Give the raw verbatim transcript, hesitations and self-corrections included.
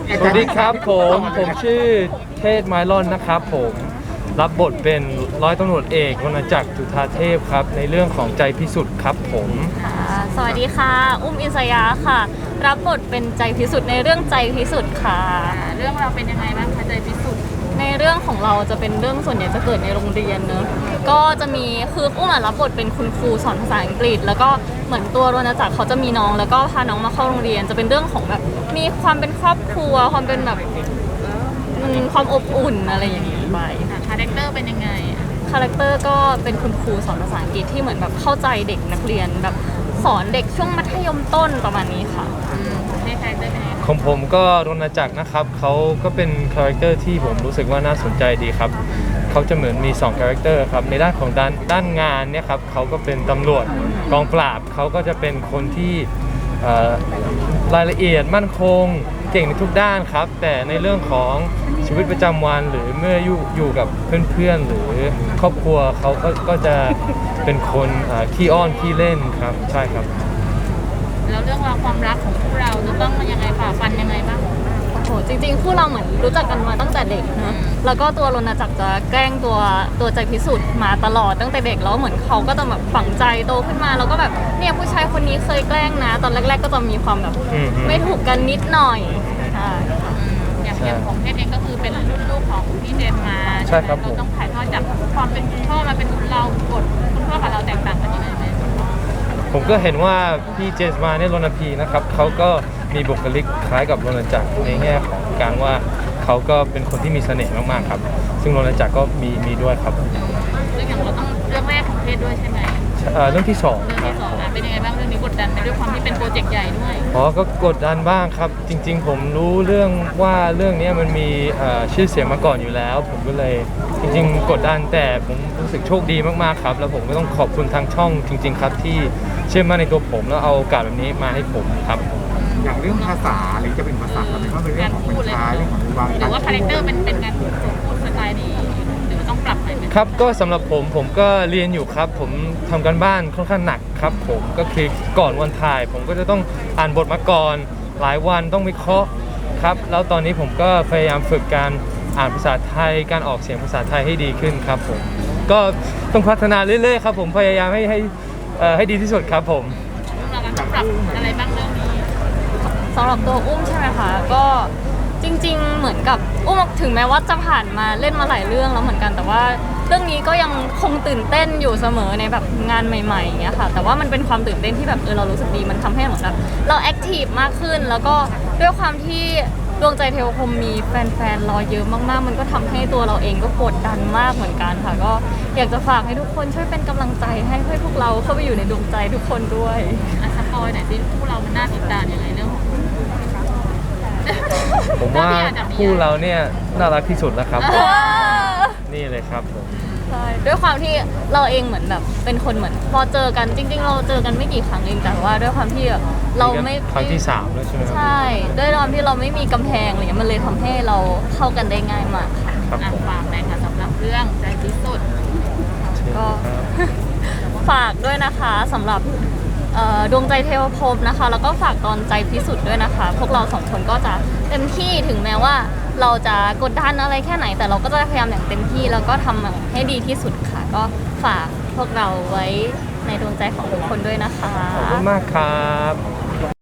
สวัสดีครับผมผมชื่อเทศไมลอนนะครับผมรับบทเป็นร้อยตำรวจเอกวรรณจักรจุฑาเทพครับในเรื่องของใจพิสุทธิ์ครับผมค่ะสวัสดีค่ะอุ้มอิสยาค่ะรับบทเป็นใจพิสุทธิ์ในเรื่องใจพิสุทธิ์ค่ะเรื่องเราเป็นยังไงบ้างคะใจพิสุทธิ์ในเรื่องของเราจะเป็นเรื่องส่วนใหญ่จะเกิดในโรงเรียนเนอะก็จะมีคืออุ้มอะรับบทเป็นคุณครูสอนภาษาอังกฤษแล้วก็เหมือนตัวรณจักรเขาจะมีน้องแล้วก็พาน้องมาเข้าโรงเรียนจะเป็นเรื่องของแบบมีความเป็นครอบครัวความเป็นแบบความอบอุ่นอะไรอย่างนี้ไปคาแรคเตอร์เป็นยังไงคาแรคเตอร์ก็เป็นคุณครูสอนภาษาอังกฤษที่เหมือนแบบเข้าใจเด็กนักเรียนแบบสอนเด็กช่วงมัธยมต้นประมาณนี้ค่ะให้คาแรคเตอร์เป็นยังไงของผมก็รณจักรนะครับเขาก็เป็นคาแรคเตอร์ที่ผมรู้สึกว่าน่าสนใจดีครับเขาจะเหมือนมีสองคาแรคเตอร์ครับในด้านของด้านด้านงานเนี่ยครับเขาก็เป็นตำรวจกองปราบเขาก็จะเป็นคนที่รายละเอียดมั่นคงเก่งในทุกด้านครับแต่ในเรื่องของชีวิตประจำวันหรือเมื่ออยู่อยู่กับเพื่อนๆหรือครอบครัวเขาก็ก็จะเป็นคนขี้อ้อนขี้เล่นครับใช่ครับแล้วเรื่องราวความรักของพวกเราจะต้องยังไงฝ่าฟันยังไงบ้างโอ้โหจริงๆคู่เราเหมือนรู้จักกันมาตั้งแต่เด็กเนอะแล้วก็ตัวรณจักรจะแกล้งตัวตัวใจพิสุทธิ์มาตลอดตั้งแต่เด็กแล้วเหมือนเขาก็จะแบบฝังใจโตขึ้นมาแล้วก็แบบเนี่ยผู้ชายคนนี้เคยแกล้งนะตอนแรกๆก็จะมีความแบบไม่ถูกกันนิดหน่อยอย่างอย่างของเทศเองก็คือเป็นรุ่นลูกของพี่เจมมาใช่ครับเราต้องถ่ายทอดจากความเป็นคุณพ่อมาเป็นเราบทคุณพ่อกับเราแตกต่างกันยังไงไหมผมก็เห็นว่าพี่เจมมาเนี่ยรณพีนะครับเขาก็มีบุคลิกคล้ายกับรณจักรในแง่ของการว่าเขาก็เป็นคนที่มีเสน่ห์มากๆครับซึ่งรณจักรก็มีมีด้วยครับเรื่องอย่างเราต้องเรื่องแรกของเทศด้วยใช่ไหมเรื่องที่สองเรื่องที่สองเป็นยังไงบ้างเรื่องนี้กดดันไปด้วยความที่เป็นโปรเจกต์ใหญ่ด้วยอ๋อก็กดดันบ้างครับจริงๆผมรู้เรื่องว่าเรื่องนี้มันมีชื่อเสียงมาก่อนอยู่แล้วผมก็เลยจริงๆกดดันแต่ผมรู้สึกโชคดีมากๆครับแล้วผมก็ต้องขอบคุณทางช่องจริงๆครับที่เชื่อมั่นในตัวผมแล้วเอาโอกาสแบบนี้มาให้ผมครับอย่างเรื่องภาษาหรือจะเป็นภาษาอะไรก็เป็นเรื่องของบรรยายเรื่องของวางหรือว่าคาแรคเตอร์เป็นเป็นการพูดสไตล์นี้หรือต้องปรับอะไรไหมครับก็สำหรับผมผมก็เรียนอยู่ครับผมทำการบ้านค่อนข้างหนักครับผมก็คือก่อนวันถ่ายผมก็จะต้องอ่านบทมาก่อนหลายวันต้องวิเคราะห์ครับแล้วตอนนี้ผมก็พยายามฝึกการอ่านภาษาไทยการออกเสียงภาษาไทยให้ดีขึ้นครับผมก็ต้องพัฒนาเรื่อยๆครับผมพยายามให้ให้ให้ดีที่สุดครับผมเราต้องปรับอะไรบ้างเรื่องนี้สำหรับตัวอุ้มใช่ไหมคะก็จริงๆเหมือนกับอุ้มถึงแม้ว่าจะผ่านมาเล่นมาหลายเรื่องแล้วเหมือนกันแต่ว่าเรื่องนี้ก็ยังคงตื่นเต้นอยู่เสมอในแบบงานใหม่ๆอย่างเงี้ยค่ะแต่ว่ามันเป็นความตื่นเต้นที่แบบเออเรารู้สึกดีมันทำให้เหมือนแบบเราแอคทีฟมากขึ้นแล้วก็ด้วยความที่ดวงใจเทวคมมีแฟนๆรอเยอะมากๆมันก็ทำให้ตัวเราเองก็กดดันมากเหมือนกันค่ะก็อยากจะฝากให้ทุกคนช่วยเป็นกำลังใจให้ให้พวกเราเข้าไปอยู่ในดวงใจทุกคนด้วยอ่ะสปอยหน่อยสิพวกเรามันน่าติดตามยังไงเรื่องผมว่าคู่เราเนี่ยน่ารักที่สุดแล้วครับนี่เลยครับผมใช่ด้วยความที่เราเองเหมือนแบบเป็นคนเหมือนพอเจอกันจริงๆเราเจอกันไม่กี่ครั้งเองแต่ว่าด้วยความที่เราไม่ครั้งที่สามแล้วใช่ไหมครับใช่ด้วยความที่เราไม่มีกำแพงอะไรเงี้ยมันเลยทำให้เราเข้ากันได้ง่ายมากค่ะครับฝากหน่อยค่ะสำหรับเรื่องใจพิสุทธิ์ก็ฝากด้วยนะคะสำหรับดวงใจเทวภพนะคะแล้วก็ฝากตอนใจพิสุทธิ์ด้วยนะคะพวกเราสองคนก็จะเต็มที่ถึงแม้ว่าเราจะกดดันอะไรแค่ไหนแต่เราก็จะพยายามอย่างเต็มที่แล้วก็ทำให้ดีที่สุดค่ะก็ฝากพวกเราไว้ในดวงใจของทุกคนด้วยนะคะขอบคุณมากครับ